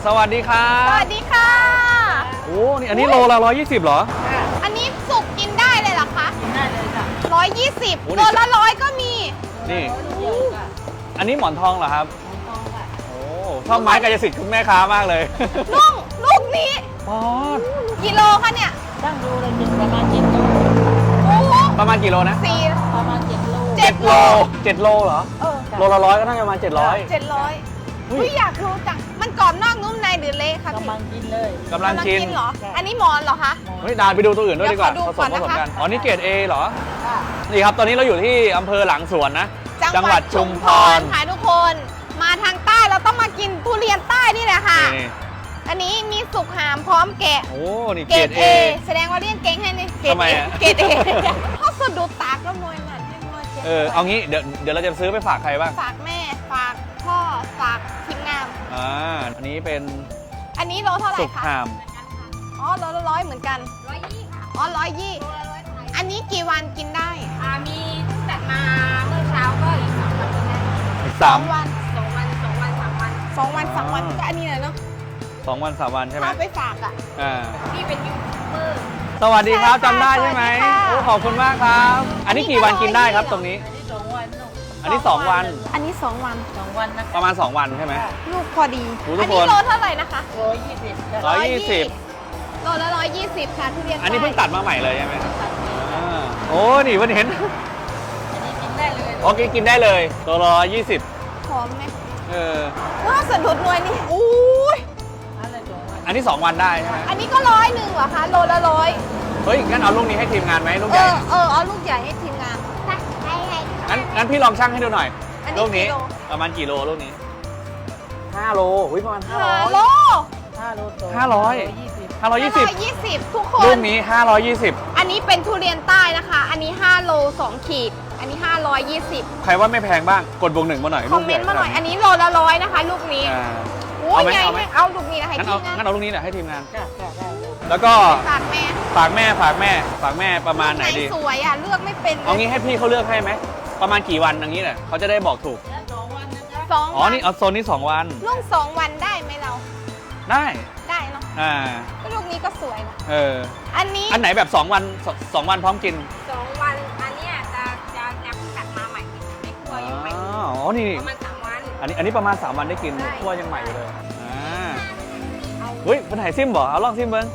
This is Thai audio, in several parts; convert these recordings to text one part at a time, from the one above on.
สวัสดีครับสวัสดีค่ะโอ้นี่อันนี้โลละ120เหรออันนี้สุกกินได้เลยเหรอคะกินได้เลยค่ะ 120โลละ100ก็มีนี่เยอะค่ะอันนี้หมอนทองเหรอครับทองค่ะโอ้ชอบไม้กายสิทธิ์คุณแม่ค้ามากเลยลูกนี้ปอดกิโลคะเนี่ยตั้งดูเลยกินประมาณ7 โลโอ้โหประมาณกี่โลนะประมาณ7 โล 7 โล7 โลเหรอเออโลละ100ก็น่าจะประมาณ700 700อุ้ยอยากรู้จังมันกรอบนอกนุ่มในหรือเละคะพี่กำลังกินเลยกำลังกินเหรออันนี้หมอนเหรอคะเฮ้ยดานไปดูตัวอื่นด้วยดีกว่าเดี๋ยวผขอดูสมก่อนนะคะกันอ๋อนี่เกรด A เหรอค่ะนี่ครับตอนนี้เราอยู่ที่อำเภอหลังสวนนะจังหวัดชุมพรค่ะทุกคนมาทางใต้เราต้องมากินทุเรียนใต้นี่แหละค่ะนี่อันนี้มีสุกหามพร้อมแกะโอ้นี่เกเกรรดดเอ A แสดงว่าเรียนเก่งให้นี่เกรดทำไมเออะเกรดเอเขาสะดุดตาก็มวยหมันให้มวยเจ็บเอางี้เดี๋ยวเราจะซื้อไปฝากใครบ้างฝากแม่ฝากพ่อฝากทีมงานอันนี้เป็นอันนี้โลเท่าไหร่สุกคะหามอ๋อโลละ100เหมือนกัน120ค่ะอ๋อ120อันนี้กี่วันกินได้มีจัดมาเมื่อเช้าก็อีก2 วันกินได้อีกสสาอมงวัน 2 วัน 2 วัน 3 วัน 2 วัน 3 วันก็อันนี้แหละเนาะ 2 วัน 3 วันใช่ไหมเอาไปฝากอ่ะอ่าพี่เป็นยูทูบเบอร์สวัสดีครับใช่ค่ะจำได้ใช่ไหมสวัสดีค่ะโอ้ขอบคุณมากครับ อันนี้กี่วันกินได้ครับตรงนี้อันนี้2 วันลูกอันนี้ 2 วันอันนี้2 วัน 2 วันนะประมาณ 2 วันใช่ไหมลูกพอดีโอ้ทุอักนคนี้นโลเท่าไหร่นะคะ 120จ้ะ 120 โลละ120ค่ะทุเรียนอันนี้เพิ่งตัดมาใหม่เลยใช่ไหมครับอ่าโอ้นี่เพิ่งเห็นอันนี้กินได้เลยโอเคกินได้เลยตัว120 หอมไหมเออว้าวสะดุดหน่วยนี่อุ้ยอะไร2 วันอันนี้ 2 วันได้ใช่ไหมอันนี้ก็100เหรอคะโลละ100 เฮ้ยงั้นเอาลูกนี้ให้ทีมงานไหมลูกเอใหญ่เอาลูกใหญ่ให้ทีมงานให้งั้นพี่ลองชั่งให้ดูหน่อยอันนี้ลูกนี้กิโลประมาณกี่โลลูกนี้5 โลอุ้ยประมาณฮัลโหล 5 โลโต 500 520 120ทุกคลูนกนี้520 อันนี้เป็นทุเรียนใต้นะคะ อันนี้5โล2ขีด อันนี้520 ใครว่าไม่แพงบ้างกดบวก1มาหน่อยคอมเมนต์มาหน่อย อันนี้โลละ100นะคะ ลูกนี้อ่าโอ้ยเอาไหมใหญ่เอาไหมมากเอาลูกนี้นะคะงั้นทีเอามงานงั้นเอาลูกนี้แหละให้ทีมงานจ้ะได้แล้วก็ฝากแม่ฝากแม่ประมาณไหนดีสวยอ่ะ เลือกไม่เป็นเอางี้ให้พี่เขาเลือกให้ไหมประมาณกี่วันอย่างนี้แหละเขาจะได้บอกถูกแล้ว2 วันนะจ๊ะสองอ๋อวันนี่เอาโซนนี้2 วันลูก2 วันได้ไหมเราได้ได้เนาะอ่าก็ลูกนี้ก็สวยนะเอออันนี้อันไหนแบบ2 วัน2 วันพร้อมกิน 2 วัน อันเนี้ยจะจัดมาใหม่ในครัวยังใหม่อ๋อนี่ประมาณ3 วันอันนี้ประมาณ3 วันได้กินใช่คั่วยังใหม่อยู่เลยเฮ้ยเป็นไหนซิมบ่เอาลองซิมเบิ้ง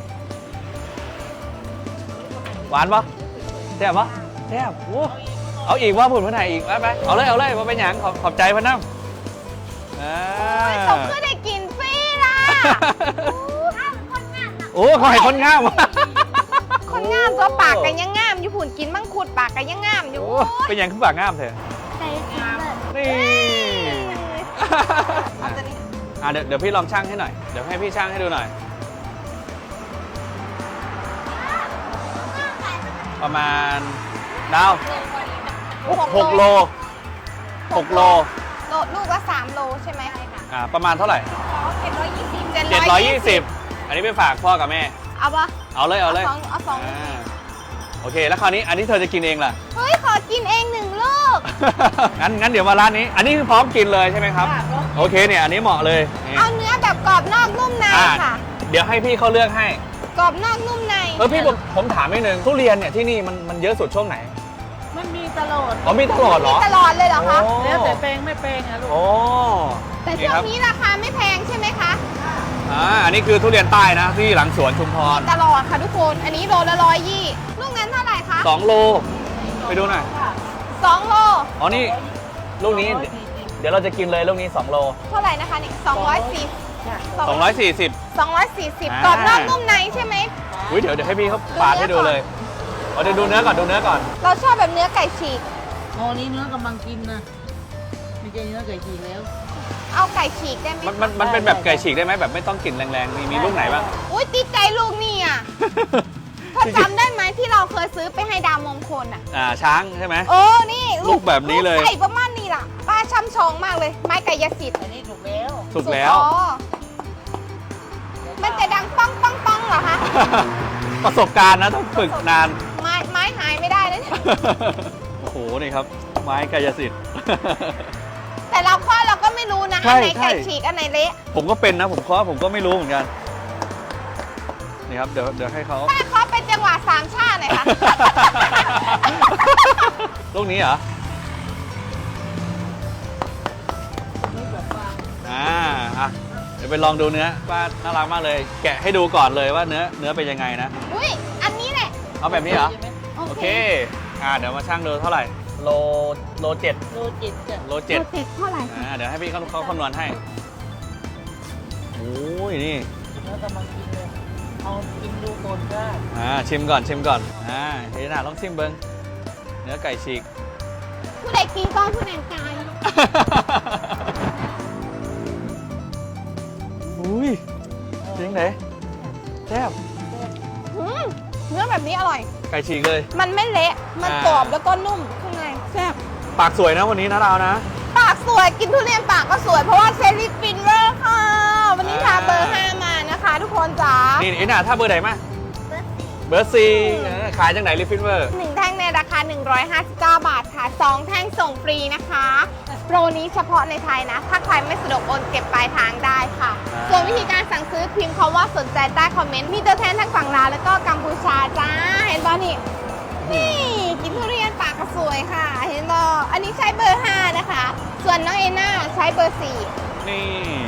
หวานปะแซ่บปะแซ่บโอ้เอาอีกว่าผุนเพื่อนไหนอีกไปเอาเลยว่าเป็นหยังขอบใจเพื่อนน้ำอ่าสมคือได้กินฟรีล่ะโอ้เขาให้คนงามคนงามตัวปากกันยังงามอยู่ผุนกินมังคุดปากกันยังงามอยู่โอ้เป็นหยังขึ้นปากงามเถอะใส่ซิมเลยนี่เอาตัวนี้เดี๋ยวพี่ลองชั่งให้หน่อย เดี๋ยวให้พี่ชั่งให้ดูหน่อย ประมาณดาว6 โล 6 โลลูกละ3 โลใช่ไหมประมาณเท่าไหร่ 720 อันนี้ไปฝากพ่อกับแม่เอาปะเอาเลยเอาสองอ่าโอเค แล้วคราวนี้อันนี้เธอจะกินเองล่ะเฮ้ย ขอกินเอง1 ลูกงั้นเดี๋ยวมาร้านนี้ อันนี้คือพร้อมกินเลยใช่ไหมครับ โอเคเนี่ย อันนี้เหมาะเลยนี่เอาเนื้อแบบกรอบนอกนุ่มในอ่าค่ะเดี๋ยวให้พี่เขาเลือกให้กรอบนอกนุ่มในพี่ผมถามนิดนึงทุเรียนเนี่ยที่นี่มันเยอะสุดช่วงไหนมันมีตลอดอ๋อมีตลอดเหรอมีตลอดเลยเหรอคะโอ้แล้วแต่แปลงไม่แปลงอะลูกโอ้แต่ช่วงนี้ราคาไม่แพงใช่ไหมคะอันนี้คือทุเรียนใต้นะที่หลังสวนชุมพรตลอดค่ะทุกคน อันนี้โลละ120ลูกนั้นเท่าไหร่คะ 2 โล ไปดูหน่อย 2 โลอ๋อนี่ลูกนี้เดี๋ยวเราจะกินเลยลูกนี้2 โลเท่าไหร่นะคะนี่240 จ้ะ 240 240กรอบนอกนุ่มในใช่ไหมอุ้ยเดี๋ยวให้พี่เขาปาดให้ดูเลยเดี๋ยวดูเนื้อก่อนเราชอบแบบเนื้อไก่ฉีกโอ้นี้เนื้อกำลังกินนะไม่ใช่เนื้อไก่ฉีกแล้วเอาไก่ฉีกได้ไหมมันเป็นแบบไก่ฉีกได้ไหมแบบไม่ต้องกลิ่นแรงๆมีลูกไหนบ้างอุ้ยติดใจลูกนี่อ่ะเธอจำได้ไหมที่เราเคยซื้อไปให้ดาวมงคลอ่ะช้างใช่ไหมนี่ลูกแบบนี้เลยลูกไก่ประมาณนี้ล่ะป้าช่ำชองมากเลย ไม้ไก่ยสิทธิ์อันนี้ถูกแล้วสุกแล้วอ๋อมันจะดังป้องป้องป้องเหรอคะประสบการณ์นะต้องฝึกนานไม้หายไม่ได้เลยเนี่ยโอ้โหนี่ครับ ไม้กายสิทธิ์แต่เราก็ไม่รู้นะใช่อันไหนใช่ไก่ฉีกอันไหนเละผมก็เป็นนะผมเคาะผมก็ไม่รู้เหมือนกันนี่ครับเดี๋ยวให้เขาป้าขอเป็นจังหวะสามชาติหน่อยค่ะลูกนี้เหรอไม่แบบว่าอ่ะเดี๋ยวไปลองดูเนื้อป้าน่ารักมากเลย แกะให้ดูก่อนเลยว่าเนื้อเป็นยังไงนะอุ้ยอันนี้แหละเอาแบบนี้เหรอใช่ไหมโอเคเดี๋ยวมาช่างดูเท่าไหร่โลเจ็ดโลจิตจ้ะโลเจ็ดเจ็ดเท่าไหร่คะเดี๋ยวให้พี่เขาคำนวณให้โอ้ยนี่แล้วกำลังกินเลยเอากินดูก่อนได้ชิมก่อนเฮ้ยน่าลองชิมเบิ้งเนื้อไก่ฉีกผู้ใดกินก้อนผู้นั้นกายอุ้ยจริงไหนแซ่บเนื้อแบบนี้อร่อยไก่ฉีกเลยมันไม่เละ มันกรอบแล้วก็นุ่มข้างในแซ่บปากสวยนะวันนี้นะเรานะปากสวยกินทุเรียนปากก็สวยเพราะว่าเซรีฟินเวอร์ค่ะ วันนี้ทาเบอร์ 5 มานะคะ ทุกคนจ๋านี่เอ็น่าถ้าเบอร์ไหนมาเบอร์ซีขายจังไหนลิฟฟินเวอร์ 1 แท่งในราคา 159 บาทค่ะ 2 แท่งส่งฟรีนะคะ โปรนี้เฉพาะในไทยนะ ถ้าใครไม่สะดวกโอนเก็บปลายทางได้ค่ะ ส่วนวิธีการสั่งซื้อพิมพ์คำว่าสนใจใต้คอมเมนต์ มีตัวแทนทั้งฝั่งลาวแล้วก็กัมพูชาจ้า เห็นป่ะนี่ นี่กินทุเรียนปากก็สวยค่ะ เห็นป่ะอันนี้ใช้เบอร์ 5 นะคะ ส่วนน้องเอน่าใช้เบอร์ 4 นี่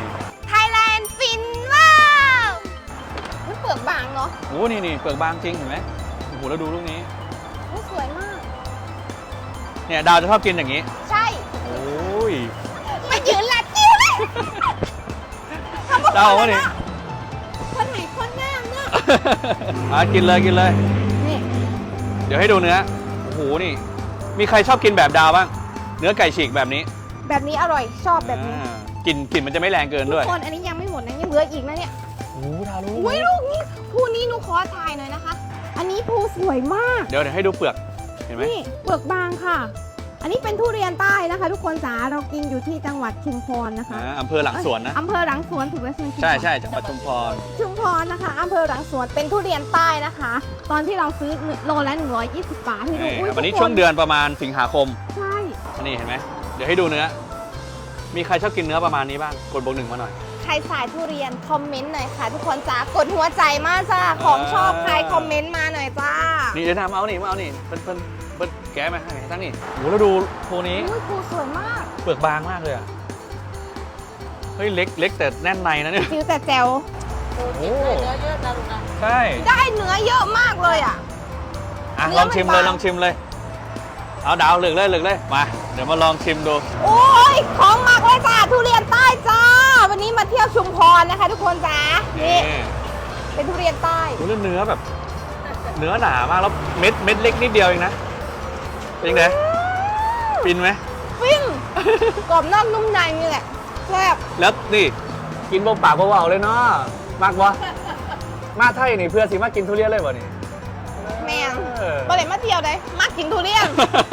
Thailand ฟินว้าวมันเปลือกบางเนาะโอ้นี่เปลือกบางจริงเห็นไหมโอ้โหแล้วดูลูกนี้อุ๊ยสวยมากเนี่ยดาวจะชอบกินอย่างนี้ใช่โอ้ยมายืนหลัดจิ้วเลยดาวว่านี่คนไหนคนงามเนาะกินเลยนี่เดี๋ยวให้ดูเนื้อ โอ้โห นี่ มีใครชอบกินแบบดาวบ้าง เนื้อไก่ฉีกแบบนี้แบบนี้อร่อยชอบแบบนี้กลิ่นมันจะไม่แรงเกินทุด้กวยคนอันนี้ยังไม่หมดนะยังเหลืออีกนะเนี่ยโอ้โหดาวรู้อุ้ยลูกนี้ภูนี้หนูขอถ่ายหน่อยนะคะ อันนี้ภูสวยมากเดี๋ยวให้ดูเปลือก เห็นไหมนี่เปลือกบางค่ะ อันนี้เป็นทุเรียนใต้นะคะ ทุกคนจ๋าเรากินอยู่ที่จังหวัดชุมพรนะคะอำเภอหลังสวนนะอำเภอหลังสวนถูกไหมคุณใช่จังหวัดชุมพรชุมพรนะคะอำเภอหลังสวนเป็นทุเรียนใต้นะคะ ตอนที่เราซื้อโลละ120 บาทให้ดูอุ๊ยวันนี้ทุกคช่วงเดือนประมาณสิงหาคมใช่นี่เห็นไหม เดี๋ยวให้ดูเนื้อ มีใครชอบกินเนื้อประมาณนี้บ้าง กดบวก 1มาหน่อยใครสายทุเรียนคอมเมนต์หน่อยค่ะ ทุกคนจ๋ากดหัวใจมากจ้าของชอบใครคอมเมนต์มาหน่อยจ้านี่เดี๋ยวทำเอานี่เพิ่นแกะมาให้ตั้งนี่โหแล้วดูโพนี้อุ้ยภูสวยมากเปลือกบางมากเลยอ่ะ เฮ้ยเล็กแต่แน่นในนะเนี่ยจิ๋วแต่แจ๋วโลจิตได้เนื้อเยอะนะลูกนะใช่ได้เนื้อเยอะมากเลยอ่ะ เนื้ลอองชิมมันเลยบางลองชิมเลย เอาดาวเหลือกเลยมา เดี๋ยวมาลองชิมดูโอ้ยของมากเลยจ้าทุเรียนใต้จ้า วันนี้มาเที่ยวชุมพรนะคะ ทุกคนจ้านี่เป็นทุเรียนใต้โอ้แล้วเนื้อแบบ เนื้อหนามากแล้วเม็ดเล็กนิดเดียวเองนะ เป็นยังไงฟินไหมฟิ้งกรอบนอกนุ่มในนี่แหละแซ่บแล้วนี่กินเบาปากเบาๆเลยเนาะมากวะมาไทยนี่เพื่อสิมากินทุเรียนเลยบ่นี่แมงเออบ่เลยมาเที่ยวเลยมากินทุเรียน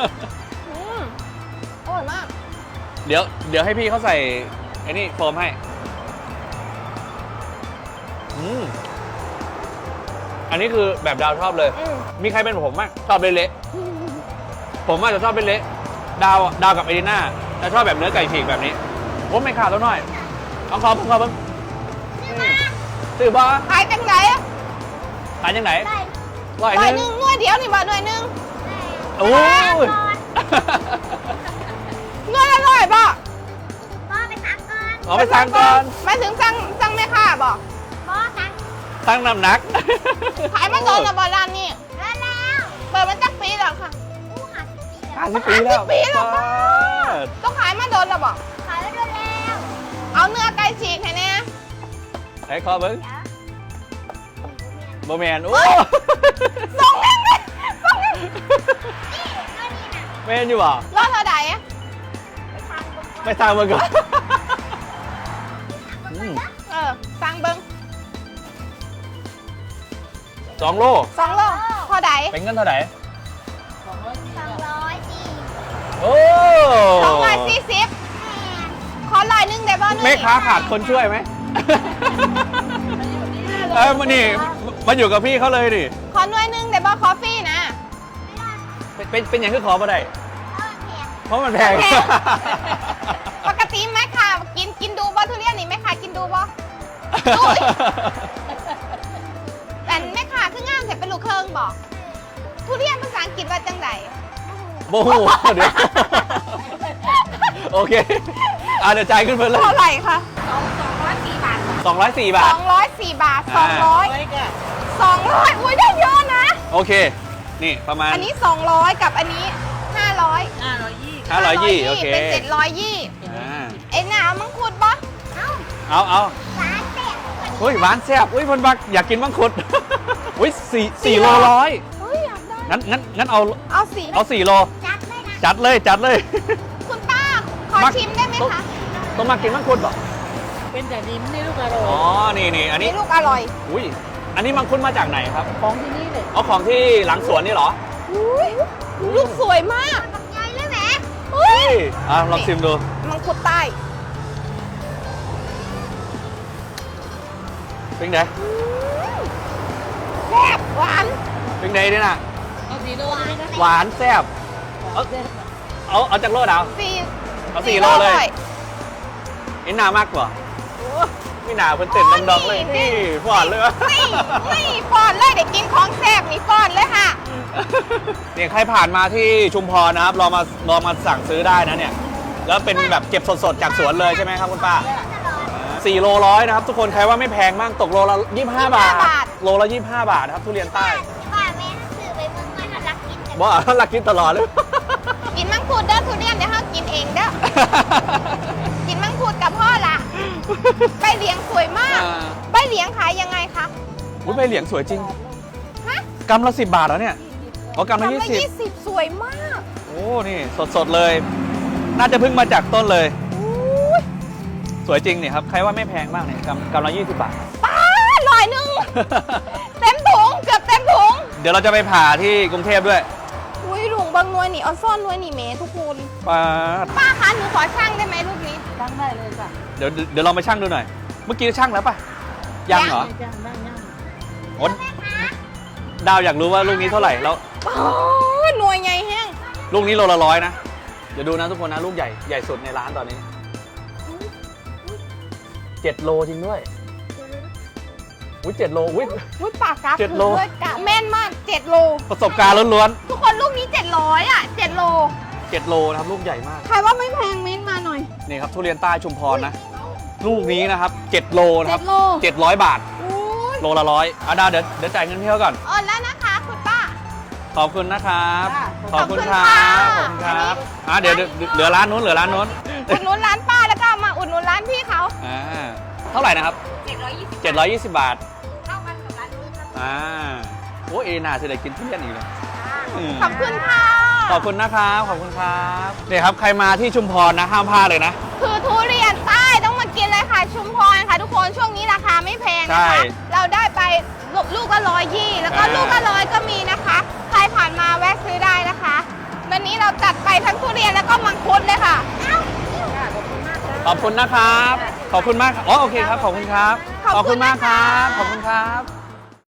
อร่อยมากเดี๋ยวให้พี่เขาใส่ไอ้นี่โฟมให้อันนี้คือแบบดาวชอบเลย มีใครเป็นผมบ้างชอบเละๆผมอาจจะชอบเละๆดาวกับเอดิน่าจะชอบแบบเนื้อไก่ฉีกแบบนี้ผมไม่ขาดตัวน้อยเอาขอผมซื้อบ้าขายจังไหนอะขายยังไงหร้อยน่วยหหนึนึ่งงหน่วยเดียวนี่บ่หน่วยหนึ่งโอ้ยหน่วยละร้อยบ่เอาไปสั่งก่อนหมายถึงสั่งแม่ค้าบ่ตั้งน้ำหนักขายมาโดนละบ่ร้านนี้เปิดมาตั้งปีแล้วค่ะ 50 ปีแล้ว 50 ปีแล้วค่ะ ต้องขายมาโดนละบ่เอาเนื้อไก่ฉีกให้แน่ไอ้คอเบิ้งโบแมนโอ้ส่งแม่งเลยส่งแม่งแมนอยู่บ่รอดเท่าใดอะไม่สั่งมาก่อนสั่งเบิ้ง 2 โล 2 โลเท่าใดเป็นเงินเท่าไหร่ 200 โอ้ 240ขอลอยนึงได้บ่หน่วยแม่ค้าขาดคนช่วยไหม มานี่มาอยู่กับพี่เขาเลยดิขอหน่วยนึงได้บ่คอฟฟี่นะเป็นอย่างที่ขอมาได้เพราะมันแพงปกติแม่ค้าอุ๊ย แต่แม่ค่ะคืองามแต่เป็นลูกเครื่องบอก ทุเรียนภาษาอังกฤษว่าจังไดโอ้โหเดี๋ยว โอเคเดี๋ยวจ่ายขึ้นไปเลยเท่าไหร่คะ 204 บาท 204 บาท 204 บาทอ่าไว้ก่ะ 200 อุ้ยได้เยอะนะโอเค นี่ประมาณอันนี้ 200 กับอันนี้ 500 520 520โอเคเป็น720 อ่าเอ็นน่ะเอามังคุดปะเอาเฮ้ยหวานแซ่บอุ้ยคนบักอยากกินมังคุด อุ้ย4โลร้อยเฮ้ยอยากได้งั้นเอาเอาสี 4โลจัดเลยคุณป้า ขอมักชิมได้ไหมคะต้องมากินมังคุดเหรอเป็นแต่ดิมนี่ลูกอร่ออ๋อย นี่อันนี้นี่ลูกอร่อยอุ้ยอันนี้มังคุดมาจากไหนครับของที่นี่เลยเอาของที่หลังสวนนี่เหรออุ้ยลูกสวยมากใหญ่เลยแหมเฮ้เฮ้ยยลองชิมดูมังคุดใต้เป็นไงแซ่บหวานเป็นไงเนี่ยน่ะเอาสีโลนี่นะหวานแซ่บเอาจากโลดเอาสี่เอา4โลเลยไอ้หนามากกว่าไม่หนาเพิ่นเต้นดองๆเลยนี่ฟอดเลยวะนี่ฟอนเลยเด็กกินของแซ่บนี่ฟอนเลยค่ะเนี่ยใครผ่านมาที่ชุมพรนะครับลองมาสั่งซื้อได้นะเนี่ย แล้วเป็นแบบเก็บสดๆจากสวนเลยใช่ไหมครับคุณป้า4โลร้อยนะครับทุกคนใครว่าไม่แพงมากตกโลละ25 บาท โลละ25 บาทนะครับทุเรียนใต้ป้าแม่ซื้อไปเมื่อไหร่รักกินกันว่ารักกินตลอดเลยกินมังคุดเด้อทุเรียนเดี๋ยวเขากินเองเด้อ กินมังคุดกับพ่อละใบเหลียงสวยมากอ่าใบเหลียงขายยังไงคะอุ้ยใบเหลียงสวยจริงฮะกำละ10 บาทแล้วเนี่ยอ๋อกำละทำละ 20 20 สวยมากโอ้นี่สดๆเลย น่าจะเพิ่งมาจากต้นเลยอุ้ยสวยจริงเนี่ยครับใครว่าไม่แพงมากเนี่ยกำละ20 บาทป้าลอยหนึ่ง เต็มถุงเกือบเต็มถุงเดี๋ยวเราจะไปผ่าที่กรุงเทพด้วยอุ้ยลุงบางนวยนี่ออนซ่อนนวยนี่เมทุกคนป้าดป้าคะหนูขอช่างได้ไหมลูกนี้ตั้งได้เลยค่ะเดี๋ยวลองไปชั่งดูหน่อย เมื่อกี้ช่างแล้วป่ะยังเหรอไม่จ้างได้ย่างโอ๊ยดาวอยากรู้ว่าลูกนี้เท่าไหร่แล้วป้าหน่วยใหญ่แห้งลูกนี้โลละ100นะเดี๋ยวดูนะทุกคนนะลูกใหญ่สุดในร้านตอนนี้7 โลจริงด้วยอุ้ย7 โลอุ้ยอุ้ยปากกา 7 โลด้วยกะแม่นมาก 7 โลประสบการณ์ล้วนทุกคนลูกนี้ 700 อ่ะ 7 โลๆ7 โลนะครับลูกใหญ่มากใครว่าไม่แพงเม้นมาหน่อยนี่ครับทุเรียนใต้ชุมพรนะ ลูกนี้นะครับ7 โลนะครับ 7 โล 700 บาทอุ้ยโลละ100ดาวเดี๋ยวจ่ายเงินพี่เขาก่อนโอนแล้วนะคะคุณป้าขอบคุณนะครับขอบคุณครัค่ะขอบคุณครับเดี๋ยวเหลือร้านนู้นอุดหนุนร้านป้าแล้วก็มาอุดหนุนร้านพี่เขาเท่าไหร่นะครับ 720 720 บาทเท่ากันกับร้านนู้นครับโอ้เอน่าจะได้กินทุเรียนอีกเลยมขอบคุณค่ะขอบคุณนะครับขอบคุณครับเนี่ยครับใครมาที่ชุมพรนะห้ามพลาดเลยนะคือทุเรียนใต้ต้องมากินเลยค่ะ ชุมพรค่ะ ทุกคนช่วงนี้ราคาไม่แพงใช่นะคะ เราได้ไปลูกละ120แล้วก็ลูกละ100ก็มีนะคะ ใครผ่านมาแวะซื้อได้นะคะ วันนี้เราจัดไปทั้งทุเรียนแล้วก็มังคุดเลยค่ะขอบคุณนะครับ ขอบคุณมากอ๋อโอเคครับ ขอบคุณครับ ขอบคุณมากครับ ขอบคุณครับ